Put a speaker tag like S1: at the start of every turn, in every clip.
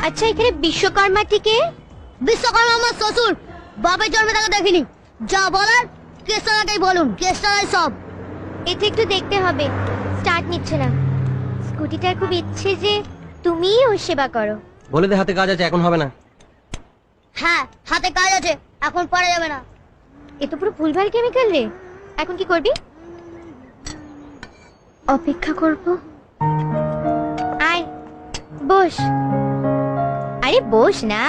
S1: আচ্ছা এখানে বিশ্বকর্মা থেকে?
S2: বিশ্বকর্মা আমার শ্বশুর, বাপের জন্মে তাকে দেখিনি। যা বলার কেষ্টালাকেই বলুন, কেষ্টালাই সব।
S1: এতে একটু দেখতে হবে, স্টার্ট নিচ্ছে না। স্কুটিটার খুব ইচ্ছে যে তুমিই ওর সেবা করো।
S3: বলে দে হাতে কাজ আছে, এখন হবে না।
S2: হ্যাঁ হাতে কাজ আছে, এখন পারা যাবে না।
S1: এ তো পুরো ভুলভাল কেমিক্যাল রে। এখন কি করবি? অপেক্ষা করব। আয় বস। আরে বস না।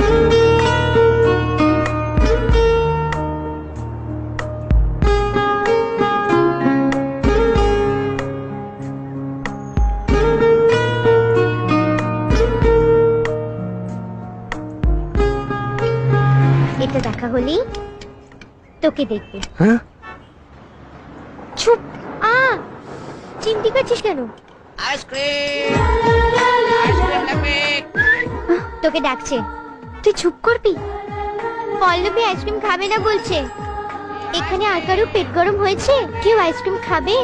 S1: এটা দেখা হলেই তোকে দেখবে।
S3: হ্যাঁ
S1: চুপ। চিমটি করছিস কেন? তোকে ডাকছে, তুই চুপ করবি? পল্লবী আইসক্রিম খাবে না বলছে। এখানে আর কারো পেট গরম হয়েছে? কেউ আইসক্রিম খাবে?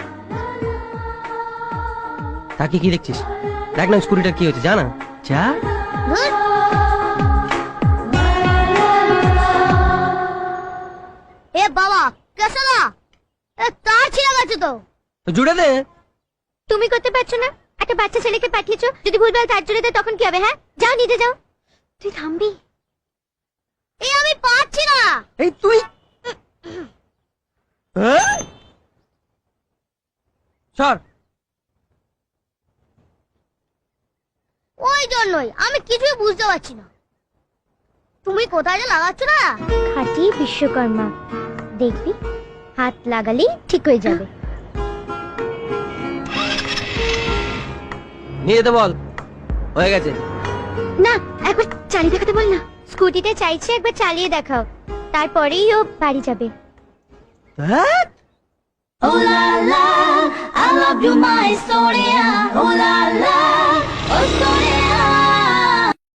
S3: তাকে কি দেখছিস? দেখ না স্কুটিটা কি হচ্ছে, জানা যা।
S2: ধুর। এ বাবা কেষ্টালা, তার ছিঁড়ে গেছে তো।
S3: জুড়ে দে।
S1: তুমি করতে পারছো না? একটা বাচ্চা ছেলেকে পাঠিয়েছো, যদি ভুলভাল তার জুড়ে দেয় তখন কি হবে? হ্যাঁ যাও নিতে যাও। তুই থামবি?
S2: এই আমি পারছি না।
S3: এই তুই সর।
S2: ওই জন্যই আমি কিছুই বুঝতে পারছি না। তুমি কোথায় যে লাগাচ্ছ না?
S1: খাঁটি বিশ্বকর্মা, দেখবি হাত লাগালেই ঠিক হয়ে যাবে।
S3: নিয়ে যেতে বল, হয়ে গেছে।
S1: না একবার চালিয়ে দেখাতে বল না। স্কুটিটা চাইছে একবার চালিয়ে দেখাও, তারপরেই ও বাড়ি যাবে।
S3: হ্যাঁ
S2: Oh la la, I love you my story.